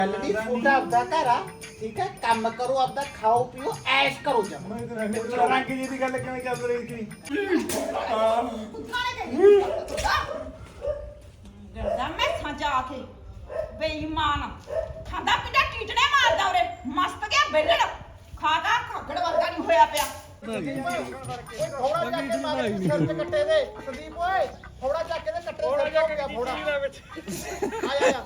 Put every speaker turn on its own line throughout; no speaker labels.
नहीं छोटा आपदा घरा ठीक है काम करो आपदा खाओ पियो ऐश करो जब
रंग जी की गल किवें चल रही थी
गंदा मैं सजा के बेईमान खादा पीटा टीटने मारदा ओरे मस्त गया बेलड़ खादा खगड़ वर्गा नहीं होया पिया
थोड़ा जाके मारे सिर ते कट्टे दे संदीप ओए थोड़ा जाके दे कट्टे सिर ते हो गया थोड़ा आया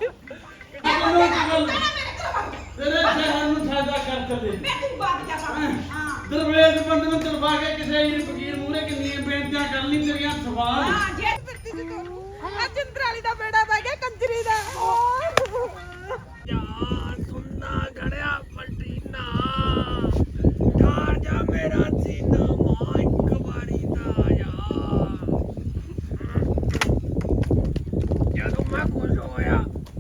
तेरे शहर ਨੂੰ ਸਾਦਾ ਕਰ ਚੱਲੇ
मैं तू बात जा हां
ਦਰਵੇਸ਼ ਬੰਦੇ ਨੂੰ ਚਲਵਾ ਕੇ ਕਿਸੇ ਹੀ ਫਕੀਰ ਮੂਹਰੇ ਕਿੰਨੀਆਂ ਬੇਨਤੀਆਂ ਕਰ ਲਈ ਤੇਰੀਆਂ ਸਵਾਲ
हां जे फिरती दी करू आ जिंद्राली दा बेड़ा पै गया कंजरी दा
ਯਾਰ ਸੁਣਨਾ ਘੜਿਆ ਪਲਟੀਨਾ ਢਾਰ ਜਾ ਮੇਰਾ ਸੀਨਾ ਮਾਂ ਇੱਕ ਵਾਰੀ ਦਾ ਯਾਰ ਜਦੋਂ ਮੈਂ ਖੁਸ਼ ਹੋਇਆ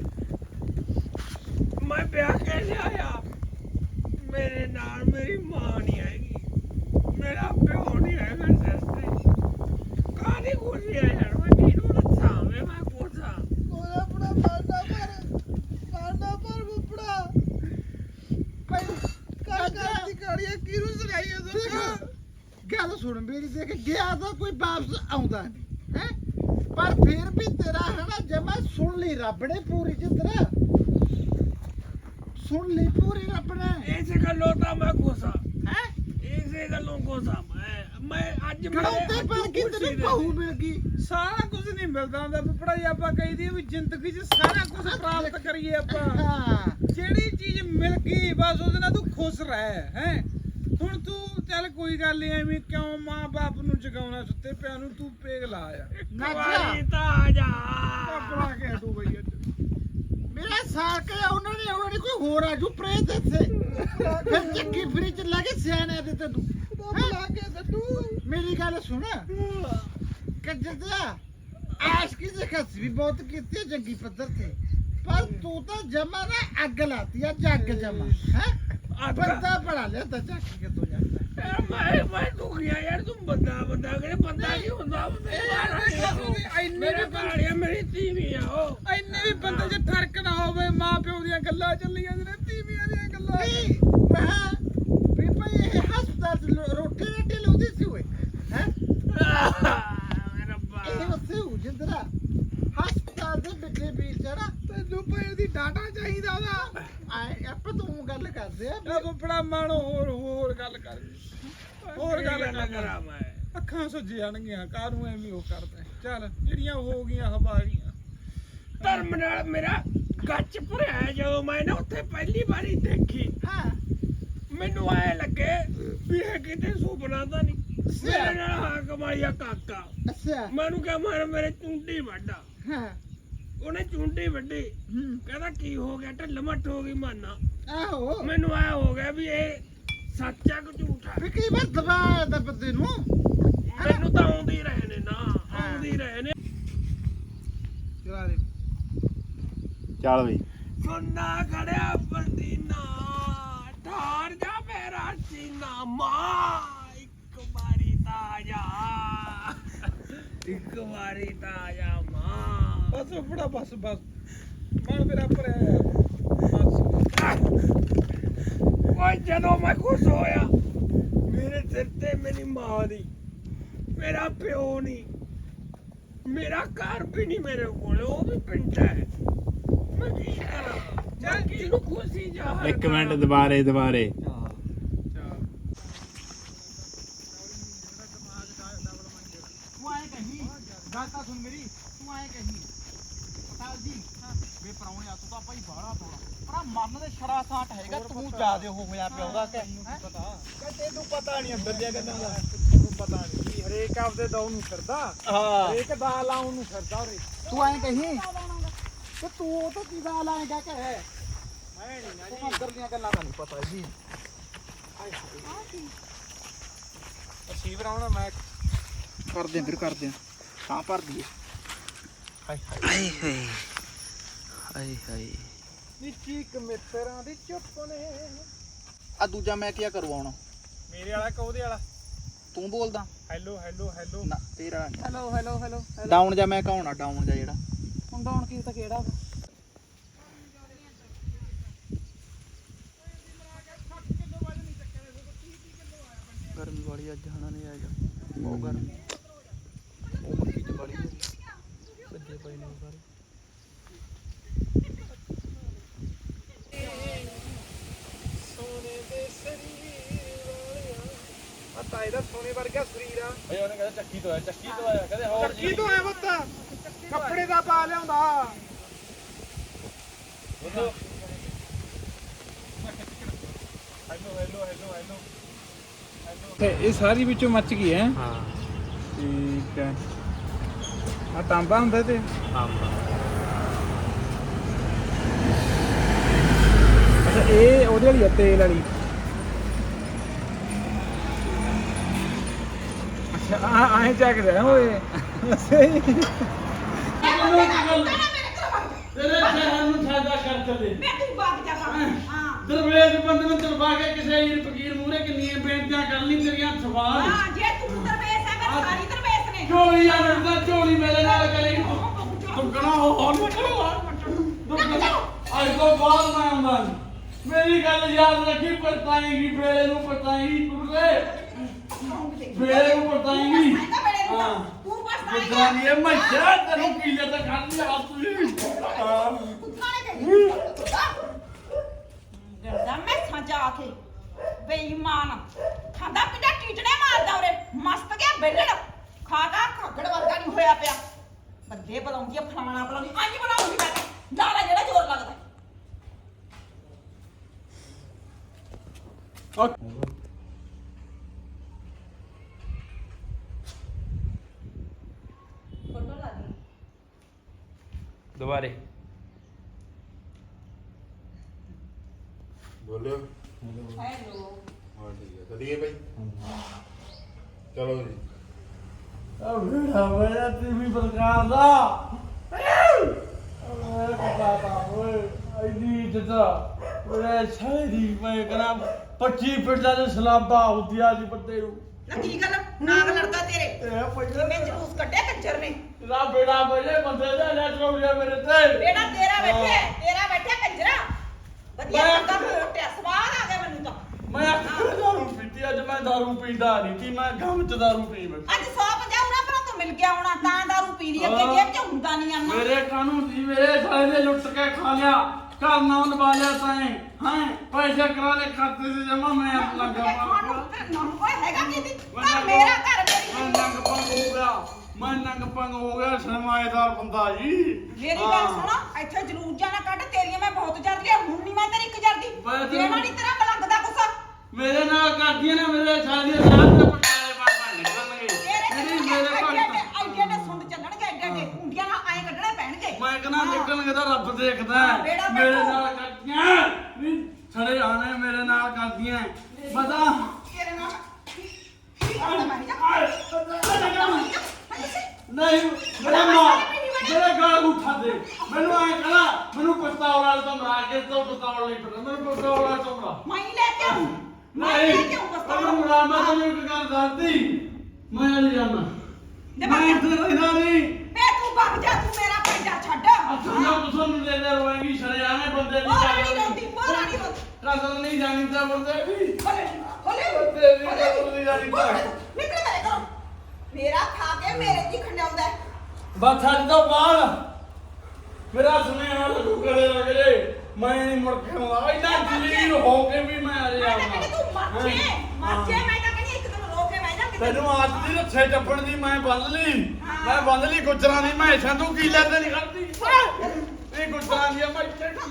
मैं ब्याह कैसे आया मेरे नाल मेरी मां नहीं आएगी मेरा प्यो नहीं आएगा सस्ते कहानी खुशी है यार मैं किनू दसा मैं कोसा
ओए अपना मारना पर बुपड़ा भाई काका दी गाड़ियां किरू सुनाई है गल सुन मेरी देख गया तो कोई वापस आਉਂਦਾ नहीं है पर फिर भी तेरा है ना जब मैं सुन ली रब ने पूरी जिंदरा सुन ली पूरी रब ने
ऐसे गल्लों ता मैं कोसा
हैं
ऐसे गल्लों कोसा मैं आज
ਖੜਾਉਂਦੇ ਪਰ ਕਿ ਤੈਨੂੰ ਬਹੂ ਮਿਲ ਗਈ
ਸਾਰਾ ਕੁਝ ਨਹੀਂ ਮਿਲਦਾ ਹੁੰਦਾ ਬੁੱਪੜਾ ਜੀ ਆਪਾਂ ਕਹੀਦੀ ਵੀ ਜ਼ਿੰਦਗੀ 'ਚ ਸਾਰਾ ਕੁਝ ਪ੍ਰਾਪਤ ਕਰੀਏ ਆਪਾਂ
ਹਾਂ
ਜਿਹੜੀ ਚੀਜ਼ ਮਿਲ ਗਈ ਬਸ ਉਹਦੇ ਨਾਲ ਤੂੰ ਖੁਸ਼ ਰਹਿ ਹੈ ਹੁਣ ਤੂੰ ਚੱਲ ਕੋਈ ਗੱਲ ਨਹੀਂ ਐਵੇਂ ਕਿਉਂ ਮਾਂ-ਬਾਪ ਨੂੰ ਜਗਾਉਣਾ ਸੁੱਤੇ ਪਿਆ ਨੂੰ ਤੂੰ ਪੇਗ ਲਾ ਆ
वारी ता आ जा
ਆਪਣਾ ਕੇ ਤੂੰ ਬਈ ਅੱਜ
ਮੇਰਾ ਸਾਰ ਕੇ ਉਹਨਾਂ ਨੇ ਆਉਣਾ ਨਹੀਂ ਕੋਈ ਹੋਰ ਆਜੂ ਪ੍ਰੇਤ ਇੱਥੇ ਫਿਰ ਚੱਕੀ ਫਰੀ ਚ ਲਾ ਕੇ ਸਿਆਣੇ ਦੇ ਤੈਨੂੰ ਲਾ ਕੇ ਦੱਟੂ ਮੇਰੀ ਗੱਲ ਸੁਣ ਕੱਜਦਾ ਆਸ਼ ਕੀ ਦੇਖਸ ਵੀ ਬਹੁਤ ਕੀਤੀ ਹੈ ਜੰਗੀ ਪੱਧਰ ਤੇ ਪਰ ਤੂੰ ਤਾਂ ਜਮਾ ਨਾ ਅੱਗ ਲਾਤੀ ਆ ਜੱਗ ਜਮਾ ਹੈ ਬੰਦਾ ਬਣਾ ਲਿਆ ਤਾਂ ਚੱਕ ਕੇ ਤੂੰ ਜਾਂਦਾ
मैं तू गया यार तुम बंदा करे बंदा नहीं होता मेरे बाड़िया मेरी तीवियां हो
ਇੰਨੇ ਵੀ ਬੰਦੇ 'ਚ ਫਰਕ ਨਾ ਹੋਵੇ ਮਾਂ ਪਿਓ ਦੀਆਂ ਗੱਲਾਂ ਚੱਲੀਆਂ ਨੇ ਤੀਵੀਆਂ ਦੀਆਂ ਗੱਲਾਂ
ਨਹੀਂ ਮੈਂ ਵੀ ਭਾਈ ਇਹ ਹਸਪਤਾਲ ਚ ਰੋਟੀ ਰੱਟੀ ਲਾਉਂਦੀ ਸੀ ਓਏ ਹੈ
रब्बा
ਇਹ ਉੱਥੇ ਹੋ ਜਿੰਦਰਾ ਹਸਪਤਾਲ ਦੇ ਬਿੱਲੇ ਵੀਰ ਜਰਾ
ਤੈਨੂੰ ਪਏ ਦੀ ਡਾਟਾ ਚਾਹੀਦਾ ਉਹਦਾ
ਆਏ ਆਪਾਂ ਤੂੰ ਗੱਲ ਕਰਦੇ ਆ
ਆ ਬੁੱਪੜਾ ਮਾਣੋ ਹੋਰ ਗੱਲ ਕਰ ਹੋਰ ਗੱਲ ਕਰ
करा मैं
ਅੱਖਾਂ ਸੁੱਜ ਜਾਣਗੀਆਂ ਕਾਹਨੂੰ ਐਵੇਂ ਉਹ ਕਰਦਾ ਚੱਲ ਜਿਹੜੀਆਂ ਹੋ ਗਈਆਂ ਹਵਾ ਗਈਆਂ
ਧਰਮ ਨਾਲ ਮੇਰਾ ਗੱਚ ਭਰਿਆ ਜਦੋਂ ਮੈਂ ਨਾ ਉੱਥੇ ਪਹਿਲੀ ਵਾਰੀ ਦੇਖੀ
ਹਾਂ
ਮੈਨੂੰ ਐ ਲੱਗੇ ਵੀ ਇਹ ਕਿਤੇ ਸੁਪਨਾ ਤਾਂ ਨਹੀਂ ਮੇਰੇ ਨਾਲ ਹਾਂ ਕਮਾਈਆ ਕਾਕਾ
ਅੱਛਾ
ਮੈਨੂੰ ਕਿਹਾ ਮਾਰ ਮੇਰੇ ਚੁੰਡੀ ਵੱਡਾ
ਹਾਂ
ਉਹਨੇ ਚੁੰਡੀ ਵੱਡੀ
ਹੂੰ
ਕਹਿੰਦਾ ਕੀ ਹੋ ਗਿਆ ਢਿੱਲ ਮੱਠ ਹੋ ਗਈ ਮਾਨਾ
ਆਹੋ
ਮੈਨੂੰ ਐ ਹੋ ਗਿਆ ਵੀ ਇਹ ਸੱਚਾ ਕਿ ਝੂਠਾ
ਵੀ ਕਈ ਵਾਰ ਦਬਾ ਦਾ ਬੰਦੇ ਨੂੰ
ਮੈਨੂੰ ਤਾਂ ਆਉਂਦੀ ਰਹੇ ਨੇ ਨਾ ਆਉਂਦੀ ਰਹੇ ਨੇ
ਚਲਾ ਦੇ
ਚੱਲ ਬਈ
ਸੁੰਨਾ ਖੜਿਆ ਪਲਟੀਨਾ ਠਾਰ ਜਾ ਮੇਰਾ ਸੀਨਾ ਮਾਂ ਇੱਕ ਵਾਰੀ ਤਾਂ ਜਾ ਇੱਕ ਵਾਰੀ ਤਾਂ ਜਾ ਮਾਂ
ਬਸ ਬੁੱਪੜਾ ਬਸ ਮਨ ਮੇਰਾ ਭਰਿਆ ਬਸ
ਓਏ ਜਦੋਂ ਮੈਂ ਖੁਸ਼ ਹੋਇਆ ਮੇਰੇ ਸਿਰ ਤੇ ਮੇਰੀ ਮਾਂ ਦੀ ਮੇਰਾ ਪਿਓ ਨਹੀਂ ਮੇਰਾ ਘਰ ਵੀ ਨਹੀਂ ਮੇਰੇ ਕੋਲ ਉਹ ਵੀ ਪਿੰਡ ਹੈ ਮੈਂ ਕੀ ਕਰਾਂ ਜਾਂ ਕਿਹਨੂੰ ਖੁਸ਼ੀ ਜਾ
ਇੱਕ ਮਿੰਟ ਦੁਬਾਰੇ
ਤੂੰ ਆਏ ਕਹੀਂ ਗੱਲ ਤਾਂ ਸੁਣ ਮੇਰੀ ਤੂੰ ਆਏ ਕਹੀਂ ਪਤਾ ਜੀ ਵੇ ਪਰਾਉਣਿਆ ਤੂੰ ਤਾਂ ਭਾਈ ਬਾਹਲਾ ਤੋੜਾ ਪਰ ਮਰਨ ਦੇ ਛੜਾ ਸਾਟ ਹੈਗਾ ਤੂੰ ਜਿਆਦੇ ਉਹ ਹੋਇਆ ਪਿਆ ਉਹਦਾ ਕਿ
ਪਤਾ ਤੈਨੂੰ ਪਤਾ ਨਹੀਂ ਅੰਦਰ ਦੀਆਂ ਗੱਲਾਂ ਦਾ ਤੈਨੂੰ ਪਤਾ ਨਹੀਂ ਹਰੇਕ ਆਪਦੇ ਦੌ ਨੂੰ ਫਿਰਦਾ
ਹਾਂ
ਹਰੇਕ ਦਾ ਲਾਉਂ ਨੂੰ ਫਿਰਦਾ ਉਰੇ
ਤੂੰ ਆਏ ਕਹੀਂ ਤੇ ਤੂੰ ਉਹ ਤਾਂ ਕੀ ਦਾ ਲਾਏਗਾ ਕਿ ਹੈ
ਮੈਂ ਨਹੀਂ ਨਾ
ਤੂੰ ਅੰਦਰ ਦੀਆਂ ਗੱਲਾਂ ਦਾ ਨਹੀਂ ਪਤਾ ਜੀ
ਰਸੀਵਰ ਆਉਣਾ ਮੈਂ
ਕਰਦੇ ਫਿਰ ਕਰਦੇ ਹਾਂ ਭਰ ਦਈਏ
ਆਏ ਹਾਏ
ਨਿੱਕੀ ਕ ਮਿੱਤਰਾਂ ਦੀ ਚੁੱਪ ਨੇ
ਆ ਦੂਜਾ ਮੈਂ ਕੀ ਕਰਵਾਉਣਾ
ਮੇਰੇ ਵਾਲਾ ਕਿ ਉਹਦੇ ਵਾਲਾ
ਤੂੰ ਬੋਲਦਾ
ਹੈਲੋ
ਨਾ ਤੇਰਾ
ਹੈਲੋ
ਡਾਊਨ ਜਾਂ ਮੈਂ ਕਹਾਉਣਾ ਡਾਊਨ ਜਾਂ ਜਿਹੜਾ
ਹੁਣ ਡਾਉਣ ਕੀ ਤਾਂ ਕਿਹੜਾ
ਵਾਲੀ ਅੱਜ ਹਣਾ ਨਹੀਂ ਆਏਗਾ ਬਹੁਤ ਗਰਮੀ ਉਹ ਮੱਕੀ ਚ ਵਾਲੀ ਭੱਜੇ ਪਏ ਨੇ ਉਹ ਸਾਰੇ ਸੋਨੇ ਦੇ ਸਰੀਰ ਵਾਲਿਆ ਆ ਤਾਏ ਦਾ ਸੋਨੇ ਵਰਗਾ ਸਰੀਰ ਆ
ਬਈ ਉਹਨੇ ਕਹਿੰਦਾ ਚੱਕੀ ਤੋਂ ਆਇਆ ਕਹਿੰਦੇ ਹੋਰ
ਚੱਕੀ ਤੋਂ ਆਇਆ ਬੱਤਾ ਕੱਪੜੇ ਦਾ ਪਾ ਲਿਆਉਂਦਾ
ਬੋਲੋ ਤੇ ਇਹ ਸਾਰੀ ਵਿੱਚੋਂ ਮੱਚ ਗਈ ਹੈ
ਹਾਂ
ਠੀਕ ਹੈ ਆ ਤਾਂਬਾ ਹੁੰਦਾ ਤੇ
ਤਾਂਬਾ
ਅੱਛਾ ਇਹ ਉਹਦੇ ਵਾਲੀ ਆ ਤੇਲ ਵਾਲੀ ਅੱਛਾ ਆਏ ਚੱਕ ਰਿਹਾ ਓਏ ਸਹੀ
ਤੇਰੇ
ਸ਼ਹਿਰ ਨੂੰ ਸਾਦਾ ਕਰ ਚਲੇ
ਮੈਂ ਤੂੰ ਬਾਗ ਜਾ ਹਾਂ
ਦਰਵੇਸ਼ ਬੰਦੇ ਨੂੰ ਦਰਬਾ ਕੇ ਕਿਸੇ ਹੀਰ ਫਕੀਰ ਮੂਹਰੇ ਕਿੰਨੀਆਂ ਬੇਨਤੀਆਂ ਕਰ ਲਈ ਤੇਰੀਆਂ ਸਵਾਲ
ਹਾਂ ਜੇ ਤੂੰ ਦਰਵੇਸ਼ ਹੈ ਮੈਂ ਸਾਰੀ ਦਰਵੇਸ਼ ਨੇ
ਝੋਲੀ ਆ ਲੜਦਾ ਝੋਲੀ ਮੇਰੇ ਨਾਲ ਕਰੀ ਦੁੱਗਣਾ ਹੋਰ ਨਿਕਲਵਾ ਅੱਜ ਤੋਂ ਬਾਅਦ ਮੈਂ ਆਉਂਦਾ ਨੀ। ਮੇਰੀ ਗੱਲ ਯਾਦ ਰੱਖੀ ਪਰਤਾਏਗੀ ਵੇਲੇ ਨੂੰ ਪਰਤਾਏਗੀ ਕੁੜਲੇ ਵੇਲੇ ਨੂੰ ਪਰਤਾਏਗੀ ਹਾਂ
ਤੂੰ ਬਸ
ਜਿੱਦਾਂ ਦੀ ਇਹ ਮੱਛਾ ਤੈਨੂੰ ਕੀਲੇ ਤੇ ਖਾਂਦੀ ਆ ਤੂੰ ਹਾਂ
ਗਰਦਾ ਮੈਂ ਸਾਂਝਾ ਕੇ ਬੇਈਮਾਨ ਖਾਂਦਾ ਪੀਂਦਾ ਟੀਟਣੇ ਮਾਰਦਾ ਉਰੇ ਮਸਤ ਗਿਆ ਬੇਲੜ ਖਾ ਖਾ ਖੱਗੜ ਵਰਗਾ ਨਹੀਂ ਹੋਇਆ ਪਿਆ ਬੰਦੇ ਬੁਲਾਉਂਦੀ ਆ ਫਲਾਣਾ ਬੁਲਾਉਂਦੀ ਆਂਜੀ ਬਣਾਉਂਦੀ ਮੈਂ ਲਾਲਾ ਜਿਹੜਾ ਜ਼ੋਰ ਲੱਗਦਾ ਫੋਟੋ ਲਾ ਦੀ
ਦੁਬਾਰੇ
ਬੋਲਿਓ
ਹੈਲੋ
ਹਾਂ ਠੀਕ ਹੈ ਚਲੀਏ ਭਾਈ ਚਲੋ ਜੀ
ਆ ਵੇੜਾ ਵੇੜਾ ਤੀਵੀਂ ਪ੍ਰਕਾਰ ਦਾ ਓਏ ਬਾਬਾ ਓਏ ਐਡੀ ਇੱਜ਼ਤ ਓਏ ਸਾਰੀ ਮੈਂ ਕਰਾਂ 25 ਪਿੰਡਾਂ ਦੇ ਸਲਾਬਾ ਹੁੰਦੀਆਂ ਸੀ ਬੰਦੇ ਨੂੰ
ਨਾ ਕੀ ਗੱਲ ਨਾਗ ਲੜਦਾ ਤੇਰੇ
ਇਹ ਪਹਿਲਾਂ
ਮੈਂ ਜਲੂਸ ਕੱਢਿਆ ਕੰਜਰ ਨੇ
ਤੇਰਾ ਬੇੜਾ ਬਜੇ ਬੰਦੇ ਦਾ ਲੈ ਚੋੜਿਆ ਮੇਰੇ ਤੇ
ਬੇੜਾ ਤੇਰਾ ਬੈਠਿਆ ਕੰਜਰਾ ਵਧੀਆ ਬੰਦਾ ਫੋਟਿਆ ਸਵਾਦ ਆ ਗਿਆ ਮੈਨੂੰ ਤਾਂ
ਮੈਂ ਆਖਿਆ ਦਾਰੂ ਪੀਤੀ ਅੱਜ ਮੈਂ ਦਾਰੂ ਪੀਂਦਾ ਨਹੀਂ ਸੀ ਮੈਂ ਗਮ ਚ ਦਾਰੂ ਪੀ ਮੈਂ
ਅੱਜ 150 ਉਹਨਾਂ ਪਰ ਤੋਂ ਮਿਲ ਗਿਆ ਹੋਣਾ ਤਾਂ ਦਾਰੂ ਪੀ ਲਈ ਅੱਗੇ ਜੇਬ ਚ ਹੁੰਦਾ ਨਹੀਂ ਆਨਾ
ਮੇਰੇ ਕਾਨੂੰਨ ਦੀ ਮੇਰੇ ਸਾਲੇ ਨੇ ਲੁੱਟ ਕੇ ਖਾ ਲਿਆ ਘਰ ਨਾ ਲਵਾ ਲਿਆ ਤਾਏ ਹਾਂ ਪੈਸੇ ਕਰਾ ਲੈ ਖਾਤੇ से ਜਮਾ ਮੈਂ ਆਪਣਾ
ਨਾਮ ਕੋਈ ਹੈਗਾ ਕੀ ਦੀ ਤਾਂ ਮੇਰਾ ਘਰ
ਮੈਂ
ਮੇਰੀ
ਨੰਗ ਪੰਗ ਹੋ ਗਿਆ ਮੈਂ ਨੰਗ ਪੰਗ ਹੋ ਗਿਆ ਸਰਮਾਏਦਾਰ ਬੰਦਾ ਜੀ
ਮੇਰੀ ਗੱਲ ਸੁਣਾ ਇੱਥੇ ਜਲੂਸ ਜਾਣਾ ਕੱਢ ਤੇਰੀਆਂ ਮੈਂ ਬਹੁਤ ਜਰਦੀ ਆ ਹੁਣ ਨਹੀਂ ਮੈਂ ਤੇਰੀ ਇੱਕ ਜਰਦੀ ਦੇਣਾ ਨਹੀਂ ਤੇਰਾ ਮਲੰਗਦਾ ਕੁਛ
ਮੇਰੇ ਨਾਲ ਕਰਦੀਆਂ ਨੇ ਮੇਰੇ ਸਾਲੇ ਦੇ ਰਾਤ ਦੇ ਪਟਾਲੇ ਬਾਬਾ ਨਿਕਲਣਗੇ
ਤੇਰੇ
ਮੇਰੇ ਭਗਤ
ਆਈਡੀਆ ਨੇ ਸੁੰਡ ਚੱਲਣਗੇ ਐਡੇ ਕੁੰਡੀਆਂ ਨਾਲ ਐਂ ਕੱਢਣੇ ਪੈਣਗੇ
ਮੈਂ ਕਹਿੰਦਾ ਨਿਕਲਣਗੇ ਤਾਂ ਰੱਬ ਦੇਖਦਾ ਹੈ।
ਬੇੜਾ
ਮੇਰੇ
ਬੈਠੋ।
ਨਾਲ ਕਰਦੀਆਂ ਵੀ ਛੜੇ ਆਣੇ ਮੇਰੇ ਨਾਲ ਕਰਦੀਆਂ ਪਤਾ
ਤੇਰੇ ਨਾਲ ਕੀ ਕਰਦਾ ਮੈਂ ਜਾ
ਨਹੀਂ ਮੇਰੇ ਮਾਂ ਮੇਰੇ ਗਾਲ ਉਠਾ ਦੇ ਮੈਨੂੰ ਐ ਕਹਣਾ ਮੈਨੂੰ ਪਸਤੌਲ ਵਾਲੇ ਤੋਂ ਮਾਰ ਕੇ ਤੋਂ ਪਸਤੌਲ ਨਹੀਂ ਪਤਾ ਮੈਨੂੰ ਪਸਤੌਲ ਵਾਲੇ ਤੋਂ ਮਾਰ
ਮੈਂ ਹੀ ਲੈ ਕੇ ਆਉਂ ਮੈਂ ਲੈ ਕੇ ਆਉਂ ਬਸ
ਤੈਨੂੰ ਮੁਰਾ ਮੈਂ ਤੈਨੂੰ ਇੱਕ ਗੱਲ ਦੱਸਦੀ ਮੈਂ ਨਹੀਂ ਜਾਣਾ
ਦੇ
ਮੈਂ
ਬਾਬਾ
ਇੱਥੇ ਰਹਿਣਾ ਨਹੀਂ
ਬੇ ਤੂੰ ਭੱਜ ਜਾ ਤੂੰ ਮੇਰਾ ਪੰਜਾ ਛੱਡ
ਅੱਛਾ ਤੁਹਾਨੂੰ ਦੇ ਦੇ ਰੋਏਗੀ ਛੜੇ ਆਣੇ ਬੰਦੇ
ਉਹ ਰਾਣੀ ਰੋਂਦੀ ਉਹ ਰਾਣੀ ਰੋਂਦੀ
ਕਸਰ ਨਹੀਂ ਜਾਣੀ ਤਾਂ ਬੰਦੇ ਵੀ
ਹਲੇ
ਬੰਦੇ ਵੀ ਕਸਰ ਨਹੀਂ ਜਾਣੀ ਤਾਂ
ਨਿਕਲ ਮੇਰੇ ਘਰੋਂ ਮੇਰਾ ਖਾ ਕੇ ਮੇਰੇ ਜੀ ਖੰਡਾਉਂਦਾ ਹੈ।
ਬਸ ਅੱਜ ਤੋਂ ਬਾਅਦ ਮੇਰਾ ਸੁਨੇਹਾ ਲੱਗੂ ਕਰੇ ਲਗਰੇ ਮੈਂ ਨਹੀਂ ਮੁੜ ਕੇ ਆਉਂਦਾ ਇੰਨਾ ਜਲੀਲ ਹੋ ਕੇ ਵੀ ਮੈਂ ਆ
ਮੈਂ ਤਾਂ ਕਹਿੰਦੀ ਤੂੰ ਮਰ ਜੇ ਮੈਂ ਤਾਂ ਕਹਿੰਦੀ ਇੱਕ ਦਿਨ ਰੋ ਕੇ ਬਹਿ ਜਾ ਕਿਤੇ
ਤੈਨੂੰ ਆਜ ਦੀ ਰੱਛੇ ਟੱਪਣ ਦੀ ਮੈਂ ਬੰਦ ਲਈ ਮੈਂ ਬੰਦ ਲਈ ਗੁੱਜਰਾਂ ਦੀ ਮੈਂ ਸੰਧੂ ਕੀ ਲੈਂਦੇ ਨਹੀਂ ਕਰਦੀ ਇਹ ਗੁੱਜਰਾਂ ਦੀ ਮੈਂ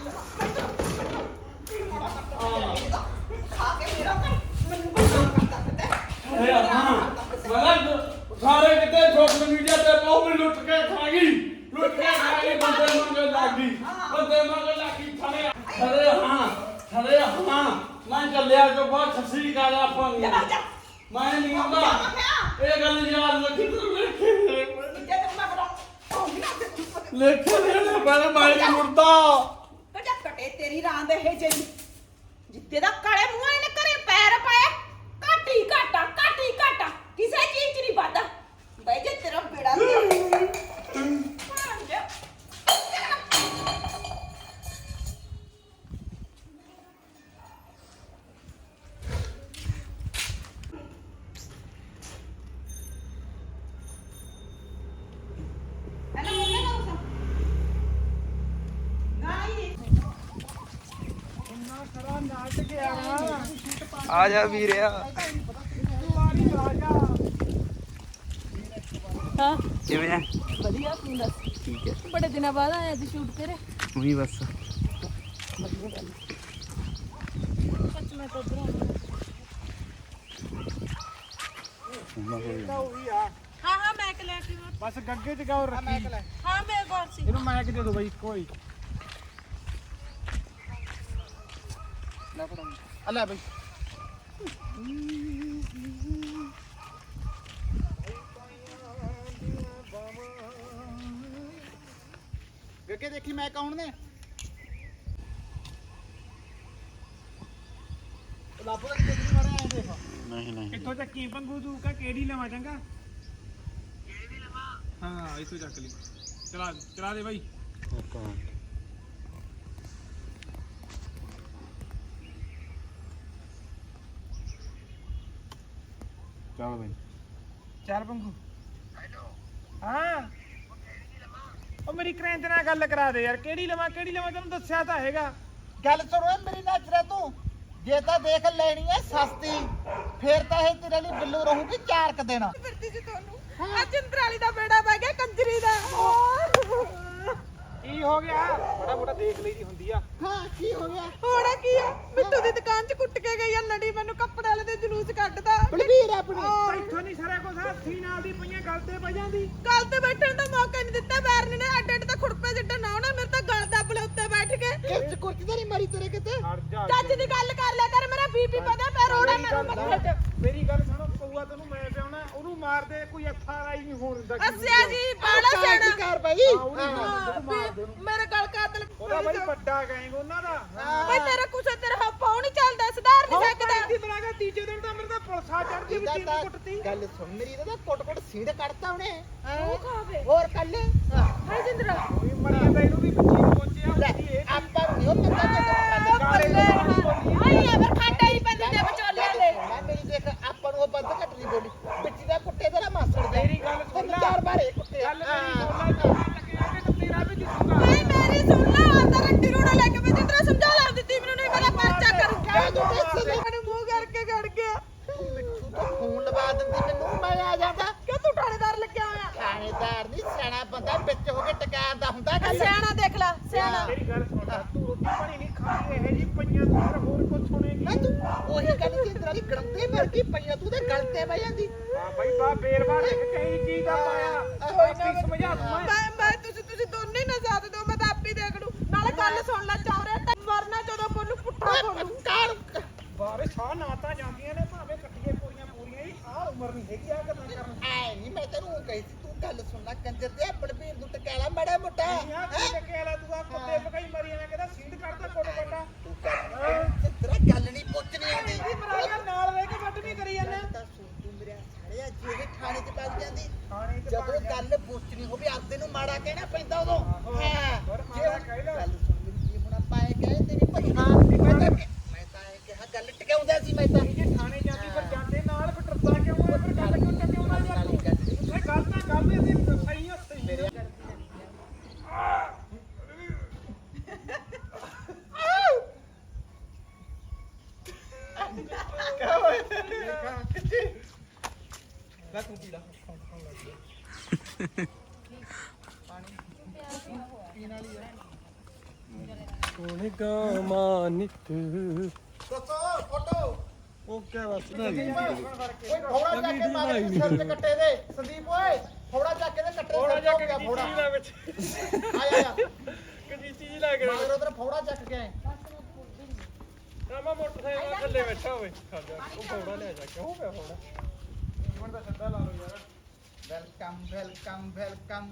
ਖਾ ਕੇ ਮੇਰਾ ਘਰ ਮੈਨੂੰ ਬਦਨਾਮ ਕਰਦਾ ਫਿਰਦਾ
ਇਹ ਹਾਂ ਮੈਂ ਸਾਰੇ ਕਿਤੇ ਸੋਸ਼ਲ ਮੀਡੀਆ ਤੇ ਬਹੁਤ ਵੀ ਲੁੱਟ ਕੇ ਖਾ ਗਈ ਬੰਦੇ ਮੰਗੇ ਲੱਗੀ ਬੰਦੇ ਮੰਗੇ ਲੱਗੀ ਥੜੇ ਹਾਂ ਮੈਂ ਚੱਲਿਆ ਜੋ ਬਹੁਤ ਸੱਸੀ ਗੱਲ ਆਪਾਂ ਨੂੰ
ਜਾ ਜਾ
ਮੈਂ ਨਹੀਂ ਆਉਂਦਾ ਇਹ ਗੱਲ ਯਾਦ ਰੱਖੀ ਤੂੰ ਲੇਖੇ
ਜੇ ਤੂੰ ਮੈਂ ਬੜਾ ਉਹ ਵੀ ਨਾ ਤੇ ਚੁੱਪ ਕਰ
ਲੇਖੇ ਮੈਂ ਨਹੀਂ ਮੁਰਦਾ
ਕਜਾ ਕਟੇ ਤੇਰੀ ਰਾਂ ਦੇ ਇਹ ਜਿਹੜੀ ਜਿੱਤੇ ਦਾ ਕਾਲੇ ਮੂੰਹਾਂ ਨੇ ਘਰੇ ਪੈਰ ਪਾਇਆ ਘਾਟੀ ਘਾਟਾ ਕਿਸੇ ਚੀਜ਼ 'ਚ ਨਹੀਂ ਵਾਦਾ ਬਈ ਜੇ ਤੇਰਾ ਬੇੜਾ
ਖੜਾ ਨਾਟ ਗਿਆ
ਆ ਜਾ ਵੀਰਿਆ।
ਹਾਂ
ਕਿਵੇਂ ਆ?
ਵਧੀਆ ਤੂੰ ਦੱਸ।
ਠੀਕ ਹੈ।
ਬੜੇ ਦਿਨਾਂ ਬਾਅਦ ਆਇਆ ਸੀ ਸ਼ੂਟ ਤੇਰੇ।
ਉਹੀ ਬਸ
ਸੱਚ ਮੈਂ ਤਾਂ ਉਧਰ ਹਾਂ ਹਾਂ ਮੈਂ ਲੈ ਕੇ
ਬਸ ਗੱਗੇ ਚ ਗਾਉ ਰੱਖੀ
ਹਾਂ ਮੇਰੇ ਕੋਲ ਸੀ।
ਇਹਨੂੰ ਮੈਕ ਦੇ ਦੋ ਬਾਈ ਇੱਕੋ ਹੀ
ਲੈ ਬਈ ਵੇਖੇ ਦੇਖੀ ਮੈਂ ਕੌਣ ਨੇ ਲਾਪੋ ਦਾ ਕਿੱਥੇ ਮਾਰਿਆ ਐ ਦੇਖ
ਨਹੀਂ ਨਹੀਂ
ਕਿੱਥੋਂ ਚੱਕੀ ਪੰਗੂ ਤੂੰ ਕਾ ਕਿਹੜੀ ਲਵਾਂ ਚੰਗਾ ਕਿਹੜੀ ਲਵਾਂ ਹਾਂ ਇਥੋਂ ਚੱਕ ਲਈ ਚਲਾ ਦੇ ਬਾਈ
ਚੱਲ ਬਈ
ਚੱਲ ਪੰਗੂ ਹਾਂ ਉਹ ਮੇਰੀ ਕ੍ਰੈਂਚ ਨਾਲ ਗੱਲ ਕਰਾ ਦੇ ਯਾਰ ਕਿਹੜੀ ਲਵਾਂ ਤੈਨੂੰ ਦੱਸਿਆ ਤਾਂ ਹੈਗਾ
ਗੱਲ ਸੁਣੋ ਏ ਮੇਰੀ ਨਜ਼ਰ ਤੂੰ ਜੇ ਤਾਂ ਦੇਖ ਲੈਣੀ ਐ ਸਸਤੀ ਫੇਰ ਤਾਂ ਇਹ ਤੇਰੇ ਲਈ ਬਿੱਲੂ ਰਹੂਗੀ 4 ਕ ਦਿਨ
ਫਿਰਦੀ ਜੀ ਤੁਹਾਨੂੰ ਆ ਚੰਦਰਾਲੀ ਦਾ ਬੇੜਾ ਪੈ ਗਿਆ ਕੰਜਰੀ ਦਾ
ਕੀ ਹੋ ਗਿਆ ਬੜਾ ਮੋਟਾ ਦੇਖ ਲਈ ਦੀ ਹੁੰਦੀ ਆ
ਹਾਂ ਕੀ ਹੋ ਗਿਆ
ਹੋਣਾ ਕੀ ਆ ਮਿੱਟੂ ਦੀ ਦੁਕਾਨ 'ਚ ਕੁੱਟ ਕੇ ਗਈ ਆ ਲੜੀ ਮੈਨੂੰ ਕੱਪੜੇ ਵਾਲੇ ਦੇ ਜਲੂਸ ਕੱਢਦਾ
ਬਲਵੀਰ ਆਪਣੀ
ਇੱਥੋਂ ਨਹੀਂ ਸਾਰਾ ਕੁਝ ਹੱਥੀ ਨਾਲ ਦੀ ਪਈਆਂ ਗੱਲ ਤੇ ਪੈ ਜਾਂਦੀ
ਗੱਲ ਤੇ ਬੈਠਣ ਦਾ ਮੌਕਾ ਨਹੀਂ ਦਿੱਤਾ ਬੈਰਨ ਨੇ ਅੱਡ ਅੱਡ ਤਾਂ ਖੁਰਪੇ ਜਿੱਡਾ ਨਾ ਹੋਣਾ ਮੇਰੇ ਤਾਂ ਗਲ ਦੱਬ ਲੈ ਉੱਤੇ ਬੈਠ ਕੇ
ਕਿਰਚ ਕੁਰਚ ਤਾਂ ਨਹੀਂ ਮਰੀ ਤੇਰੇ ਕਿਤੇ
ਹਟ ਜਾ
ਚੱਜ ਦੀ ਗੱਲ ਕਰ ਲਿਆ ਕਰ ਮੇਰਾ ਬੀਪੀ ਵਧਿਆ ਪਿਆ ਰੋੜਾ ਮੈਨੂੰ ਮੱਥੇ ਤੇ
ਮੇਰੀ ਗੱਲ ਸੁਣੋ ਪਊਆ ਤੈਨੂੰ ਮੈਂ ਪਿਆਉਣਾ ਉਹਨੂੰ ਮਾਰ ਦੇ ਕੋਈ ਅੱਥਾ ਰਾਈ ਨਹੀਂ ਹੋਣ ਦਿੰਦਾ
ਅੱਸਿਆ ਜੀ ਬਾਲਾ
ਕੀ
ਸਿਆਣਾ
ਕਰ ਬਈ
ਮੇਰੇ ਗਲ ਕਾਤਲ
ਉਹਦਾ ਬਈ ਵੱਡਾ ਗੈਂਗ ਉਹਨਾਂ ਦਾ
ਬਈ ਤੇਰਾ ਕੁਛ ਤੇਰਾ ਹੱਪਾ ਨਹੀਂ ਚੱਲਦਾ ਸੁਧਾਰ ਨਹੀਂ ਸਕਦਾ
ਦੀ ਬਰਾਗਾ ਤੀਜੇ ਦਿਨ ਤਾਂ ਮੇਰੇ ਤਾਂ ਪੁਲਸਾ ਚੜਦੀ ਵੀ ਤੀਨ ਕੁੱਟਤੀ
ਗੱਲ ਸੁਣ ਮੇਰੀ ਇਹਦਾ ਕੁੱਟ ਸੀੜ ਕੱਢਤਾ ਉਹਨੇ
ਉਹ ਖਾਵੇ
ਹੋਰ ਕੱਲ
ਹਾਏ ਜਿੰਦਰਾ
ਕੋਈ ਮਰ ਜਾਂਦਾ ਇਹਨੂੰ ਵੀ 25 ਪਹੁੰਚਿਆ
ਲੈ
ਹੁੰਦੀ ਇਹ
ਆਪਾਂ ਨੂੰ ਉਹ ਬੰਦਾ
ਬੱਲੇ ਆਈ ਅਬਰ ਖਾਟਾ ਹੀ ਪੈਂਦੇ ਤੇ ਵਿਚੋਲਿਆਂ ਦੇ
ਮੈਂ ਮੇਰੀ ਦੇਖ ਆਪਾਂ ਨੂੰ ਉਹ ਬੰਦ ਘੱਟ ਨਹੀਂ ਬੋਲੀ ਪਿੱਛੇ ਦਾ ਕੁੱਟੇ ਤੇਰਾ ਮਾਸੜ ਦੇ
ਮੇਰੀ ਗੱਲ ਸੁਣ ਲੈ
4 ਬਾਰੇ ਕੁੱਟੇ
ਗੱਲ ਮੇਰੀ ਸੁਣ ਲੈ ਲੱਗੇ ਕਿ ਤੇਰਾ ਵੀ ਜਿੱਤੂਗਾ
ਓਏ ਮੇਰੀ ਸੁਣ ਲੈ ਅੰਦਰ ਰੱਟੀ ਰੋੜਾ ਲੈ ਕੇ ਮੈਂ ਜਿੰਦਰਾ ਸਮਝਾ ਲਾ ਦਿੱਤੀ ਮੈਨੂੰ ਨਹੀਂ ਪਤਾ ਪਰਚਾ ਕਰ ਮੈਨੂੰ ਮੂੰਹ ਕਰਕੇ ਗੜ ਗਿਆ
ਮਿੱਠੂ ਤੋਂ ਫੋਨ ਲਵਾ ਦਿੰਦੀ ਮੈਨੂੰ ਮੈਂ ਆ ਜਾਂਦਾ
ਕਿ ਤੂੰ ਥਾਣੇਦਾਰ ਲੱਗਿਆ ਹੋਇਆ
ਥਾਣੇਦਾਰ ਨਹੀਂ ਸਿਆਣਾ ਬੰਦਾ ਵਿੱਚ ਹੋ ਕੇ ਟਕਾਉਂਦਾ ਹੁੰਦਾ ਗੱਲ
ਸਿਆਣਾ ਦੇਖ ਲੈ ਸਿਆਣਾ
ਮੇਰੀ ਗੱਲ ਸੁਣ ਲੈ ਤੂੰ ਰੋਟੀ ਪਾਣੀ ਨਹੀਂ ਖਾਣੀ ਇਹ ਜੀ ਪਈਆਂ ਤੂੰ ਫਿਰ ਹੋਰ ਕੁਝ ਸੁਣੇਗੀ
ਮੈਂ ਤੂੰ ਉਹੀ ਗੱਲ ਜਿੰਦਰਾ ਦੀ ਗੜੰਦੇ ਮਰ ਗਈ ਪਈਆਂ ਤੂੰ ਤੇ ਗਲ ਤੇ ਬਹਿ ਜਾਂਦੀ
ਹਾਂ ਬਈ ਬਾ ਬੇਰਵਾ ਦੇਖ ਕਈ ਚੀਜ਼ ਦਾ ਪਾਇਆ ਕੋਈ ਨਾ ਸਮਝਾ ਦੂੰ
ਮੈਂ ਤੁਸੀਂ ਦੋਨੇ ਹੀ ਨਾ ਸਾਥ ਦਿਓ ਮੈਂ ਤਾਂ ਆਪੇ ਦੇਖ ਲੂ ਨਾਲੇ ਗੱਲ ਸੁਣ ਲੈ ਚੌਰੇ ਤੇ ਮਰਨਾ ਜਦੋਂ ਬੋਲੂ ਪੁੱਠਾ ਬੋਲੂ
ਕਾਰ
ਬਾਰੇ ਸਾਹ ਨਾ ਤਾਂ ਜਾਂਦੀਆਂ ਨੇ ਭਾਵੇਂ ਇਕੱਠੀਆਂ ਪੂਰੀਆਂ ਹੀ ਸਾਹ ਉਮਰ ਨਹੀਂ ਹੈਗੀ ਆ ਗੱਲਾਂ ਕਰਨ
ਐ ਨਹੀਂ ਮੈਂ ਤੈਨੂੰ ਕਹੀ ਸੀ ਤੂੰ ਗੱਲ ਸੁਣਨਾ ਕੰਜਰ ਦੇ ਬਲਬੀਰ ਨੂੰ ਟਕਾਲਾ ਮਾੜਾ ਮੋਟਾ
ਯਾਰ ਕੀ ਟਕੇਲਾ ਤੂੰ ਆ ਕੁੱਤੇ ਪਕਾਈ ਮਰੀ ਜਾਣਾ ਕਹਿੰਦਾ ਸੀਂਡ ਕੱਢਦਾ ਕੋਟ ਕੋਟਾ
ਤੂੰ ਤੇਰਾ ਗੱਲ ਨਹੀਂ ਪੁੱਛਣੀ ਆਉਂਦੀ
ਇਹਦੀ ਬਰਾਗਾ ਨਾਲ ਰਹਿ ਕੇ ਵੱਟ ਨਹੀਂ ਕਰੀ ਜਾਂਦਾ
ਤਾਂ ਸੁਣ ਤੂੰ ਮੇਰੇ ਸਾਲਿਆ ਜਿਹੜੇ ਥਾਣੇ 'ਚ ਵੱਜ ਜਾਂਦੀ
ਥਾਣੇ 'ਚ
ਜਦੋਂ ਗੱਲ ਪੁੱਛਣੀ ਹੋਵੇ ਆਪਦੇ ਨੂੰ ਮਾੜਾ ਕਹਿਣਾ ਪੈਂਦਾ ਉਦੋਂ ਹਾਂ
ਪਰ
ਜੇ
ਮਾੜਾ ਕਹਿ ਲਓ।
ਗੱਲ ਸੁਣ ਮੇਰੀ ਜੀ ਹੁਣ ਆਪਾਂ ਇਹ ਕਹੇ ਤੇਰੀ ਭਜਣਾ ਮੈਂ ਤਾਂ ਇਹ ਕਿਹਾ ਗੱਲ ਟਿਕਾਉਂਦਾ ਸੀ ਮੈਂ ਤਾਂ
ਜੇ ਥਾਣੇ ਜਾਂਦੀ ਫਿਰ ਜਾਂਦੇ ਨਾਲ ਫਿਰ ਡਰਦਾ ਕਿਉਂ ਆ ਫਿਰ ਗੱਲ ਕਿਉਂ ਟਕਿਆਉਂਦਾ ਯਾਰ ਤੂੰ ਇਹ ਗੱਲ ਤਾਂ ਗੱਲ ਦੇ ਸਹੀ ਆ ਸਹੀ ਮੇਰੇ
ਕਿਆ ਹੋਇਆ ਕਿੱਥੇ ਲੈ ਤੂੰ ਪੀ ਲਾ
ਕੋਨੇ ਗਾਮਾ ਨਿਤ
ਦੱਸੋ ਫੋਟੋ
ਉਹ ਕਿਆ ਬਸ
ਓਏ ਫੋੜਾ ਜਾ ਕੇ ਮਾਰ ਸਿਰ ਤੇ ਕੱਟੇ ਦੇ ਸੰਦੀਪ ਓਏ ਫੋੜਾ ਜਾ ਕੇ ਦੇ ਕੱਟੇ
ਥੋੜਾ ਜਿਹਾ
ਗਿਆ ਫੋੜਾ
ਕਿਹਦੀ ਵਿੱਚ
ਆਇਆ
ਕਿਹਦੀ ਚੀਜ਼ ਲੱਗ ਰਹੀ
ਮਗਰ ਉਧਰ ਫੋੜਾ ਚੱਕ ਕੇ ਆਏ
ਰਾਮਾ ਮੋਟਰਸਾਈਕਲ ਥੱਲੇ ਬੈਠਾ ਹੋਵੇ ਉਹ ਫੋੜਾ ਲੈ ਜਾ ਕਿਉਂ ਪਿਆ ਫੋੜਾ
ਹੁਣ ਤਾਂ ਸਿੱਧਾ ਲਾ ਲਓ ਯਾਰ
ਵੈਲਕਮ ਵੈਲਕਮ ਵੈਲਕਮ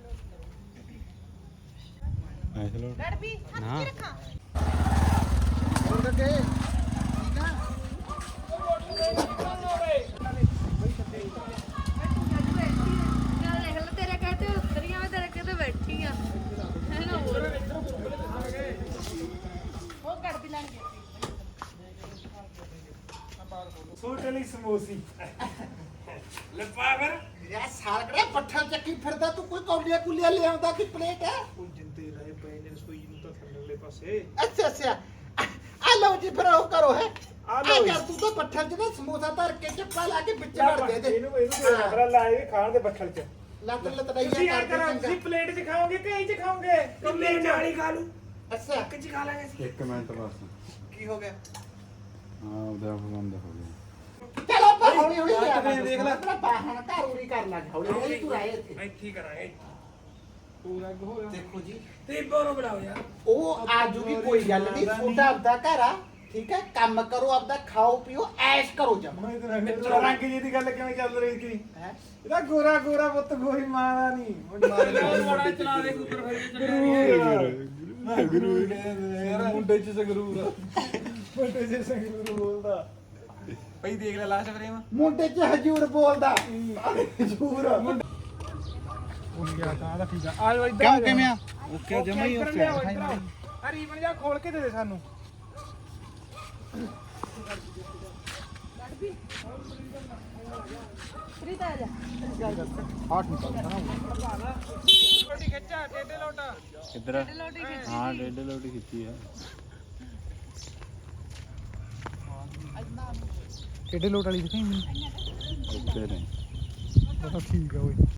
ਐਸ ਲੋ
ਲੜਬੀ ਹੱਥ ਕੀ ਰੱਖਾਂ
ਉਧਰ ਕੇ ਠੀਕ ਆ
ਦੇਖ ਲੈ ਤੇਰੇ ਕਹਤੇ ਉਤਰੀਆਂ ਮੈਂ ਤੇਰੇ ਕਹਤੇ ਬੈਠੀ ਆ ਹੈ ਨਾ ਹੋਰ ਉਹ ਗੜਬੀ ਲੈਣ ਗਈ
ਸੋਟਲੀ ਸਮੋਸੀ ਲੱਪਾ ਫਿਰ
ਯਾ ਸਾਲਕੜਾ ਪੱਠਾ ਚੱਕੀ ਫਿਰਦਾ ਤੂੰ ਕੋਈ ਕੌਲੀਆਂ ਕੁਲੀਆਂ ਲਿਆਉਂਦਾ ਕਿ ਪਲੇਟ ਹੈ
ਉਹ ਜਿੰਦੇ ਰਹੇ ਪਏ ਨੇ ਰਸੋਈ ਨੂੰ ਤਾਂ ਥੱਲੇਲੇ ਪਾਸੇ
ਅੱਛਾ ਅੱਛਾ ਆ ਲੋ ਤੁਸੀਂ ਫਿਰ ਉਹ ਕਰੋ ਹੈ
ਆ ਲਓ
ਯਾਰ ਤੂੰ ਤਾਂ ਪੱਠਲ 'ਚ ਨਾ ਸਮੋਸਾ ਧਰ ਕੇ ਚੱਪਾ ਲਾ ਕੇ ਵਿੱਚ ਵੜ ਦੇ ਦੇ
ਇਹਨੂੰ ਮੇਰਾ ਲਾਏ ਖਾਣ ਦੇ ਬੱਠਲ ਚ
ਲੱਤ
ਤੁਸੀਂ
ਲਤੜਾਈਆ
ਆ
ਕਰ
ਕਰਾਂ
ਦੇ
ਤੁਸੀਂ ਪਲੇਟ 'ਚ ਖਾਓਗੇ ਕਿ ਇਹ 'ਚ ਖਾਓਗੇ ਕੰਮੇ ਨਾਲ ਹੀ ਖਾ ਲੂ
ਅੱਛਾ
ਇੱਕ 'ਚ ਖਾ ਲਾਂਗੇ ਅਸੀਂ
1 ਮਿੰਟ ਬਸ
ਕੀ ਹੋ ਗਿਆ
ਹਾਂ ਉਹਦਾ ਬੰਦ ਹੋ ਗਿਆ
ਚਲੋ ਆਪਾਂ ਹੌਲੀ ਹੌਲੀ
ਲੱਤ ਤੇ ਦੇਖ ਲੈ।
ਆਪਣਾ ਬਾਹਣ ਘਰ ਉਰੀ ਕਰ ਲੱਗ ਹੌਲੀ ਹੌਲੀ ਤੂੰ ਰਾਏ ਇੱਥੇ
ਇੱਥੇ ਹੀ ਕਰਾਂਗੇ
ਪੂਰਾ ਹੋ ਗਿਆ
ਦੇਖੋ ਜੀ
ਤੇ ਬੋਰੋ ਬਣਾਓ ਯਾਰ
ਉਹ ਆਜੂਗੀ ਕੋਈ ਗੱਲ ਨਹੀਂ ਤੁਹਾਡਾ ਆਪਦਾ ਘਰ ਆ ਠੀਕ ਹੈ ਕੰਮ ਕਰੋ ਆਪਦਾ ਖਾਓ ਪੀਓ ਐਸ਼ ਕਰੋ ਜਮ
ਰੰਗ ਜੀ ਦੀ ਗੱਲ ਕਿਵੇਂ ਚੱਲ ਰਹੀ ਸੀ
ਹੈ
ਇਹਦਾ ਗੋਰਾ ਗੋਰਾ ਪੁੱਤ ਗੋਰੀ ਮਾਰਾ ਨਹੀਂ
ਬੜਾ ਚਲਾ ਦੇ ਕੁੱਤਰ
ਗੁਰੂ ਮੁੰਡੇ ਚ ਸੰਗਰੂਰ ਮੁੰਡੇ ਚ ਸੰਗਰੂਰ ਬੋਲਦਾ
ਭਾਈ ਦੇਖ ਲੈ ਲਾਸਟ ਫਰੇਮ
ਮੁੰਡੇ 'ਚ ਹਜੂਰ ਬੋਲਦਾ ਹਜੂਰ
ਕਿਉਂ ਕਿਵੇਂ ਆ ਓਕੇ ਜਮਾ ਹੀ ਓਕੇ
ਆ ਰੀਬਨ ਜਾ ਖੋਲ ਕੇ ਦੇ ਦੇ ਸਾਨੂੰ ਰੋਟੀ ਖੱਚਾ ਟੇਡੇ ਲੋਟਾ
ਕਿੱਧਰ ਹਾਂ ਡੇਢ ਲੋਟੀ ਕੀਤੀ ਆ
ਕਿਹੜੇ ਲੋਟ ਵਾਲੀ ਦਿਖਾਈ
ਉੱਤੇ ਨੇ
ਠੀਕ ਆ ਓਏ